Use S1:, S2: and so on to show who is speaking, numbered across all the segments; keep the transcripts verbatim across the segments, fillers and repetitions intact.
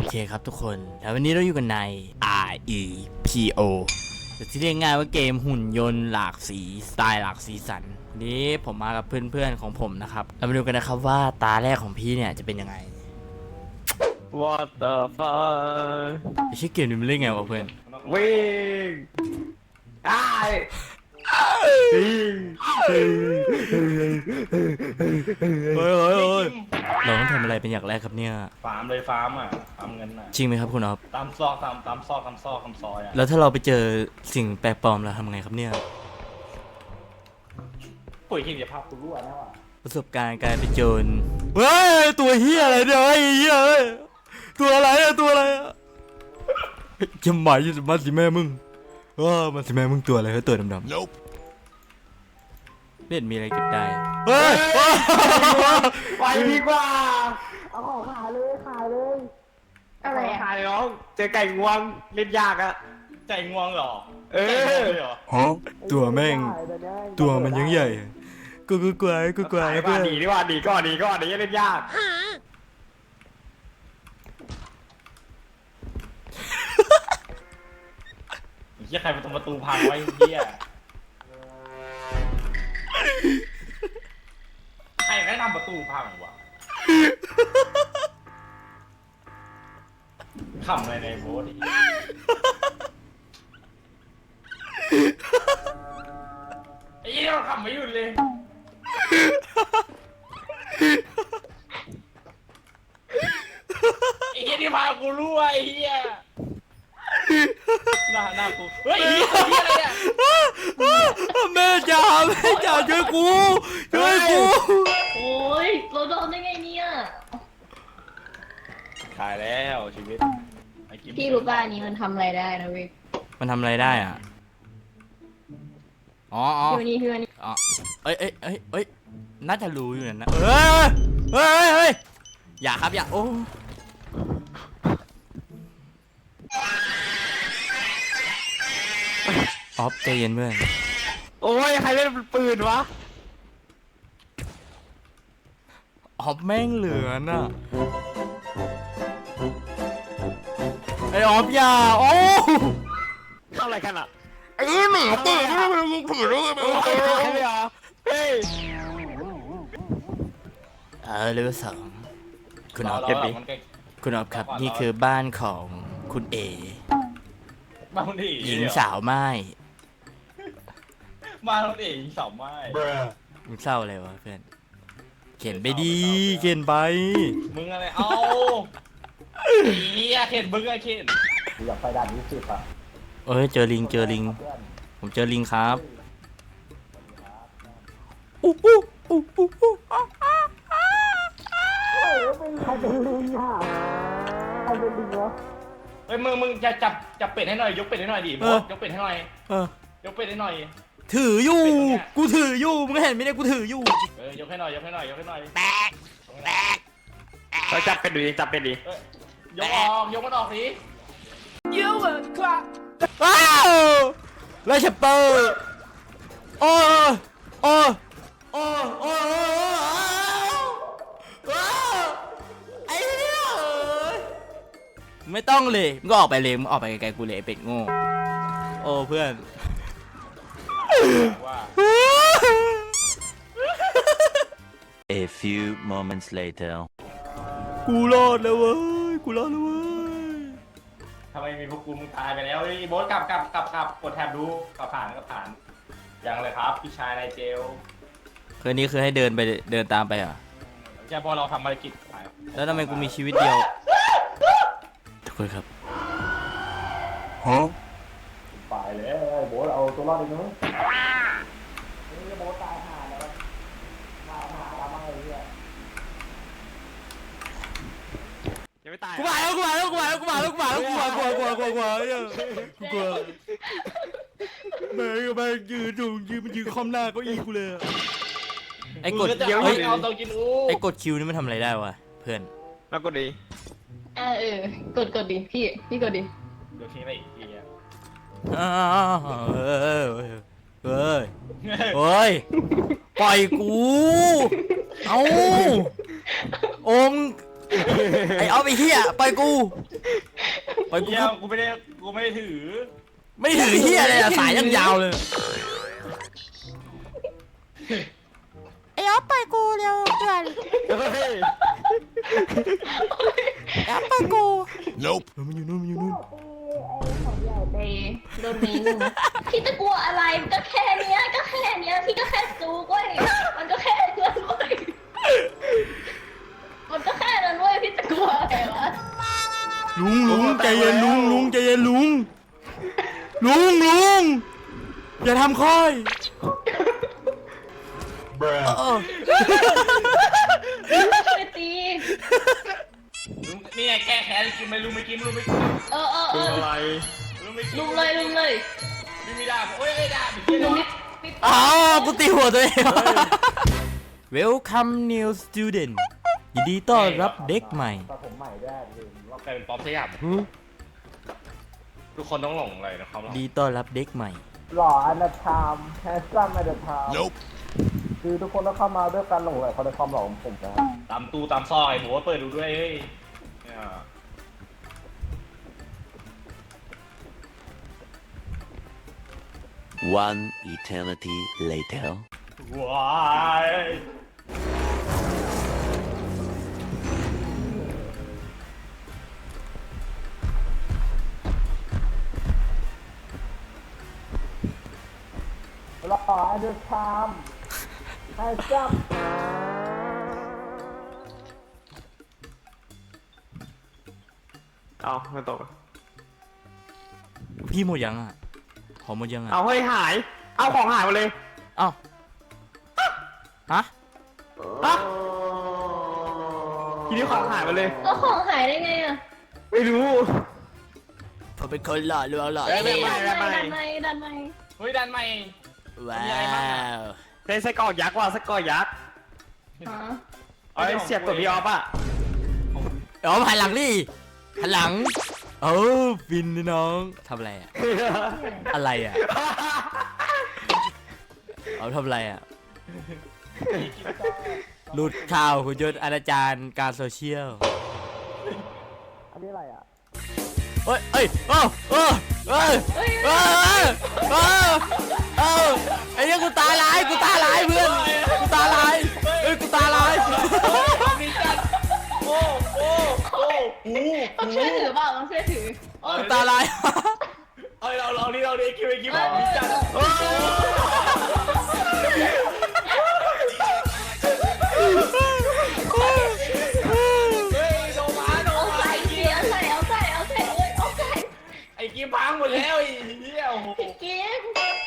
S1: เคครับทุกคนแล้ววันนี้เราอยู่กันใน อาร์ อี พี โอ หรือที่เรียกง่ายว่าเกมหุ่นยนต์หลากสีสไตล์หลากสีสันวันนี้ผมมากับเพื่อนๆของผมนะครับเรามาดูกันนะครับว่าตาแรกของพี่เนี่ยจะเป็นยังไง
S2: What the fuck
S1: ไอ้ชื่อเกมนี้มันเล่นไงวะเพื่อน
S2: วิ่งไอ้วิ่ง
S1: เฮ้ยเฮ้ยเฮ้ยเราต้องทำอะไรเป็นอย่างแรกครับเนี่ย
S3: ฟาร์มเลยฟาร์มอ่ะฟาร์มเงินอ่ะ
S1: จริงไหมครับคุณอ๊อฟ
S3: ตามซอกตามตามซอกตามซอกตามซอยอ่ะ
S1: แล้วถ้าเราไปเจอสิ่งแปลกปลอมเราทำไงครับเนี่ย
S3: ปุ๋ยหินอย่าพาคุณรั่วนะว่ะ
S1: ประสบการณ์การไปนโจรเฮ้ยตัวเฮียอะไรเนี่ยไอ้เฮียเอ้ยตัวอะไรอะตัวอะไรอะจะหมายจะมาสิแม่มึงว้ามาสิแม่มึงตัวอะไรเฮ้ยตัวดำๆ nope เล่นมีอะไรเก็บได้เฮ้ย
S2: ไปดีกว่า
S4: เอาของขายเลยขายเลย อะไร
S2: ขา
S4: อ่ะ
S2: ยน้องเจอไก่งวงเล่นยากอะ
S3: ใจงวงเหรอ
S2: เออ
S3: ใจงวงเลยเหรอ
S1: ฮะตัวแม่งตัวมันยังใหญ่กูกูกลัวกูกลัว
S2: ขาย
S1: เพื่
S2: ว่า
S1: อน
S2: ดีดีกว่าดีก่อนดีก่อนดีเล่นยาก
S3: เฮียใครมาตรงประตูพังไว้เฮียใครแนะนำประตูพังวะขำอะไรในโบสดิไอ้เหี้ยมันขำไม่หยุดเลยไอ้เหี้ยที่พากูรู้ไอ้เหี้ยหน้าหน้ากูเฮ้ยเหี้ยเหี้ยอะไรเนี่ย
S1: แม่จ๋าแม่จ๋าช่วยกูช่วยกู
S4: โอ้ยเราโดนได้ไงเนี่ย
S3: ขายแล้วชีวิตไอ้กิ๊บ
S4: พี่รู้ป่ะอันนี้มันทำอะไรได้นะเว้ย
S1: มันทำอะไรได้อ่ะอ๋ออ๋อ
S4: พี่วันนี้พี่วันนี้
S1: อ๋อเอ้ยเอ้ยเอ้ยเอ้ยน่าจะรู้อยู่นะเฮ้ยเฮ้ยเฮ้ยเฮ้ยอย่าครับอย่าโอ้ออฟใจเย็นเพื่อน
S2: โอ้ยใครเล่นปืนวะ
S1: ออฟแม่งเหลือน่ะไอออฟอย่าโอ้
S2: เข้าอะไรกันอะ
S1: ไอ้หมาเปิดให้มันมึงผืนแล้วไง
S2: เฮ้ยเหรอเฮ้ย
S1: เออเลเวลสองคุณออฟ
S3: เก็บดิมันใกล้
S1: คุณออฟครับนี่คือบ้านของคุณเอ
S3: บ้านคนที่
S1: หญิงสาวไม้
S3: บ้านคนที่หญิงสาวไม้
S1: มึงเศร้าอะไรวะเพื่อนเขียนไปดีเขียนไป
S3: มึงอะไรเอาเฮียเข็นมึงไอ้เข็น
S2: อยากไปด่านนี้สิบอะ
S1: เอ้ยเจอลิงเจอลิงผมเจอลิงครับอู้อู้อู้อู้อู้อ้าอ้าอ้า
S4: ใครเป็นลิงอ่ะใครเป็นลิงวะ
S3: เฮ้ยมึงมึงจะจับจับเป็ดให้หน่อยยกเป็ดให้หน่อยดิบอสยกเป็ดให้หน่อย
S1: เออย
S3: กเป็ดให้หน่อย
S1: ถืออยู่กูถืออยู่มึงเห็นไหมเนี่ยกูถืออยู่
S3: เออยกให้หน่อยยกให้หน่อยยกให้หน่อย
S1: แตกแตก
S2: เขาจับเป็นดีจับเป็นดี
S3: เอ้ยยกออกยกมันออกสิ
S1: ว้าวแล้วชัปเปอร์โอ้โอ้โอ้โอ้ว้าวไอ้เหี้ยไม่ต้องเลยมึงก็ออกไปเลยมึงออกไปไกลๆกูเลยไอ้เป็ดโง่โอ้เพื่อน
S3: ว่า
S5: A few moments later.
S1: กูรอดแล้วเว้ยกูรอดแล้วเว้ย
S3: ทำไมมีพวกกูมึงตายไปแล้วไอ้บอสกลับกลับกลับกลับกดแท็บดูกลับผ่านกลับผ่านยังเลยครับพี่ชายนายเจล
S1: คืนนี้คือให้เดินไปเดินตามไปเหรอ่ะ
S3: ใช่พอเราทำภารกิจ
S1: แล้วทำไมกูมีชีวิตเดียวทุกคนครับฮะ
S3: ไปเลยบอสเอาตัวรอดเลยเนาะ
S2: ยังไม่ตาย
S1: กูมาแล้วกูมาแล้วกูมาแล้วกูมาแล้วกูมาแล้วกูมากลัวกลัวกลัวกลัวกลัวกลัวแม่งแม่งยืนอยู่ยืนมันยืนคอมหน้าเก็อีกูเลยไอ้กด
S3: เดี๋ยว
S1: เฮ้ย
S3: เอาตัวกินอู้
S1: ไอ้กดคิวนี่มันทำอะไรได้วะเพื่อน
S2: แล้วก็ดี
S4: อ่าเออกดกดดิพี่พี่กดดิ
S3: เดี๋ยวทิ้งไปอีกทีอ่ะ
S1: อ้าวเฮ้ยเฮ้ยเฮ้ยปล่อยกูเอ้าโอมไอ้ออฟไอ้เหี้ยปล่อยกูปล่อยกู
S3: เหี้ยกูไม่ได้กูไม่ได้ถือ
S1: ไม่ถือเหี้ยเลยอะสายยังยาวเลยไอ้ออฟปล่อยกูเร็วเพื่อน
S2: เฮ้ย
S1: ไอ้ออฟปล่อยกู nope มันอยู่นู่นมันอยู่นู่น
S4: ไปโดนนี้นึงนะพี่จะกลัวอะไรมันก็แค่เนี้ยก็แค่เนี้ยพี่ก็แค่จูกเว้ยมันก็แค่นั้นเว้ยมันก็แค่นั้นเว้ยพี่จะกลัวอะไรวะ
S1: ลุงลุงใจเย็นลุงลุงใจเย็นลุงลุงลุงอย่าทำค่อยเออ
S4: ช่วยตี
S3: นี่ไงแก้แค้นกินไม่รู้ไม่กินไม่รู้ไม่กิน
S4: เออเออเออ
S2: อะไร
S3: รู้ไม่กิน
S4: ลุมเลยลุมเลย
S3: มีมีดาบโอ้ยไม่ดาบเหี้ย
S4: ลุม
S3: นี่
S4: นิด
S1: อ้าวกูตีหัวตัวเอง Welcome new student ยินดีต้อนรับเด็กใหม่
S3: กลายเป็นป๊อปสยามทุกคนต้องหลงเลยนะครับ
S1: ดีต้อนรับเด็กใหม่
S6: หล่ออันดับไทม์แฮนซัมอันดับไทม์
S1: nope
S6: คือทุกคนต้องเข้ามาด้วยการหลงไหลเขาในความหล่อของผมนะ
S3: ตามตู้ตามซอยหมูว่าเปิดดูด้วยเฮ้ยเนี่ย
S5: One eternity later.
S3: ว้าย
S6: หล่ออันดับไทม์แฮนซัม
S2: เอาไม่ตก
S1: พี่หมดยังอ่ะของหมดยังอ่ะ
S2: เอาเฮ้ยหาย เอาของหายหมดเลย
S1: เอ้าฮะ
S2: ฮะทีนี้ของหายหมดเลย
S4: ๆก็ของหายได้ไงอ่ะ
S2: ไม่รู้
S1: ผมเป็นคนหล่อลวงหล่อ
S2: เอ้ยไม่
S1: เท่
S2: ไม่
S4: ดันในดันใน
S3: เฮ้ยดันใหม่
S1: ว้า
S3: มีอะไรบ้างอะ
S1: ว
S2: ใช้ไส้กรอกยักษ์ว่ะไส้กรอกยักษ์
S4: ฮะ
S2: เอาไอ้เสียบตัวพี่ออฟอ่ะ
S1: เอ๋อหันหลังดิหันหลังเออฟินนี่น้องทำอะไรอ่ะอะไรอ่ะเอาทำอะไรอ่ะหลุดข่าวคุณยศอาจารย์การโซเชียล
S6: อันนี้อะไรอ่ะ
S1: เอ้ยเอ้ยเอ้าเอ้ยเอ้ยเอ้ยเอ้ยเอ้ยเอ้ยไอ้เนี่ยกูตาลายกูตาลายเพื่อนกูตาลายเอ้ยกูตาลาย
S3: มีจัดโอ้โอ้โอ้หู
S4: ต้องช่วยถือเปล่าต้องช่วยถือ
S1: กูตาลาย
S3: เอ้ยเราลองนี่เราดิคิวไอ้คิวมีจัดโอ้เฮ้ยโดมาโด
S4: เอา
S3: มา
S4: ใส่เสียใส่เอาใส่เอาใส่เลยเอาใส่
S3: ไอ้กิมพังหมดแล้วไอ้เหี้ยโอ้โห
S4: พี่กิน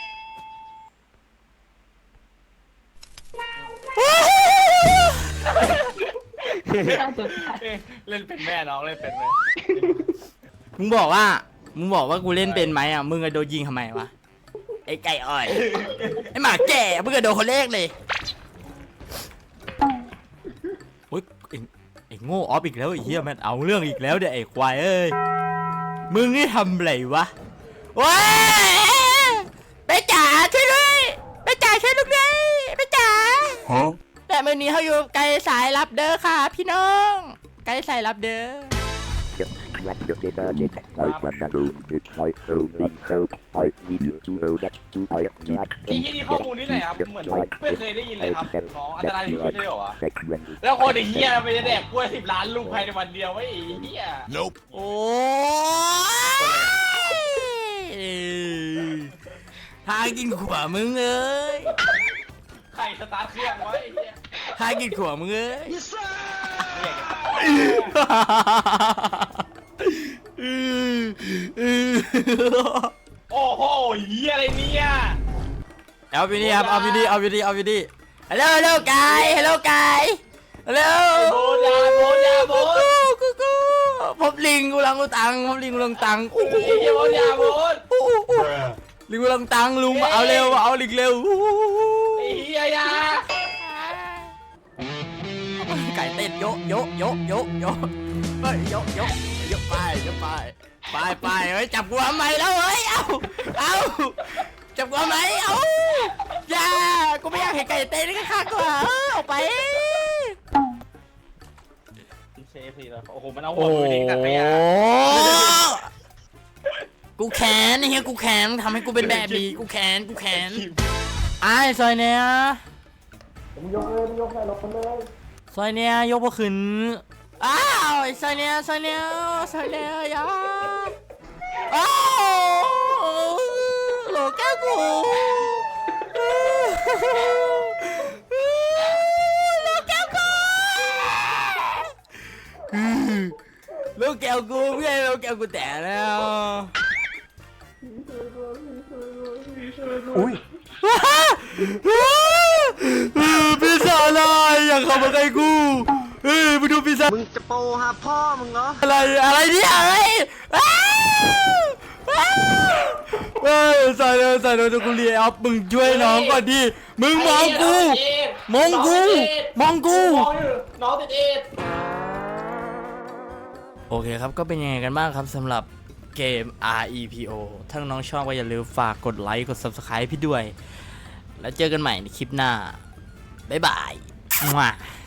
S3: เล่นเป็นแม่น้องเล่นเป็นไหม
S1: มึงบอกว่ามึงบอกว่ากูเล่นเป็นไหมอ่ะมึงอะโดนยิงทำไมวะไอ้ไก่อ่อยไอ้หมาแก่มึงอะโดนคนแรกเลยโอ๊ยไอ้ไอ้โง่ออฟอีกแล้วไอ้เหี้ยมันเอาเรื่องอีกแล้วเดี๋ยวไอ้ควายเอ้ยมึงนี่ทำไรวะว้าไปจ๋าช่วยด้วยไปจ๋าช่วยลูกด้วยไปจ๋าแต่มื่อนี้เขาอยู่ไกลสายรับเด้อค่ะพี่น้องไกลสายรับเด้อ
S7: What the detergent I can do it I so big so I need you to know that to I not
S3: ไอ้ยี่นี่ข้อมูลนี่ไหนครับเหมือนไม่เคยได้ยินเลยครับน้องอันตรายที่สุดเลยเหรอวะ
S7: segment
S3: แล้วคนไอ้เหี้ยไปจะแดกกล้วยสิบล้านลูกภายในวันเดียวไอ้เหี้ย
S1: nope โอ้ยทางกินขวามึงเอ้ย
S3: ใครสตาร์ทเครื่องไว้ไอ้เหี้ย
S1: ทางกินขวามึงเอ้ย
S3: โอ้โหเหี้ยอะไรเนี่ย
S1: เอาไปนี่ครับเอาไปนี่เอาไปนี่เอาไปนี่ฮัลโหลฮัลโหลไก่ฮัลโหลไก่ฮัลโหล
S3: โบนยาโบนยาโบน
S1: กูกูผมลิงกูลังกูตังผมลิงกูลังตังอู้
S3: ไอ้เหี้ยโบนยาโบน
S1: อู้อู้ลิงกูลังตังลุงมาเอาเร็วมาเอาลิงเร็ว
S3: ไอ้เหี้ยยา
S1: ไก่เต้นโยโยโยโยโยเฮ้ยโยโยโยไปโยไปไปไปเฮ้ยจับกูทำไมแล้วเฮ้ยเอาเอาจับกูทำไมเอาอย่ากูไม่อยากเห็นไก่เต้นข้างๆกูอ่ะเอาไป
S3: เชช่เอฟซีแล้วโอ้โหมันเอาหั
S1: โอ้
S3: วไปทิ้งถังขยะ
S1: กูแขนไอ้เฮียกูแขนทำให้กูเป็นแบบนี้กูแขนกูแขนไอ้ซอยเนี้ย
S6: ผมยกเลยยกให้รถเลย
S1: ซอยเนี้ยยกมาขึ้นอ้าวไอ้ซอยเนี้ยซอยเนี้ยซอยเนี้ยอยาอ้าวโหลแก้วกูโหลแก้วกูโหลแก้วกูไม่ใช่โหลแก้วกูแตกแล้ว
S6: อุ้ย
S1: ปีศาจอะไรอยากเข้ามาใกล้กูเฮ้ยมาดูปีศาจมึงจะโปหาพ่อมึงเหรออะไรอะไรเนี่ยเฮ้ยอ้าวอ้าวเฮ้ยใส่เลยใส่เลยกูเรียอัพมึงช่วยน้องก่อนดิมึงมองกูมองกูมองกู
S3: น้องติดเอ็ด
S1: โอเคครับก็เป็นยังไงกันบ้างครับสำหรับเกม อาร์ อี พี โอ ถ้าน้องชอบก็อย่าลืมฝากกดไลค์กด ซับสไครบ์ พี่ด้วยแล้วเจอกันใหม่ในคลิปหน้าบ๊ายบาย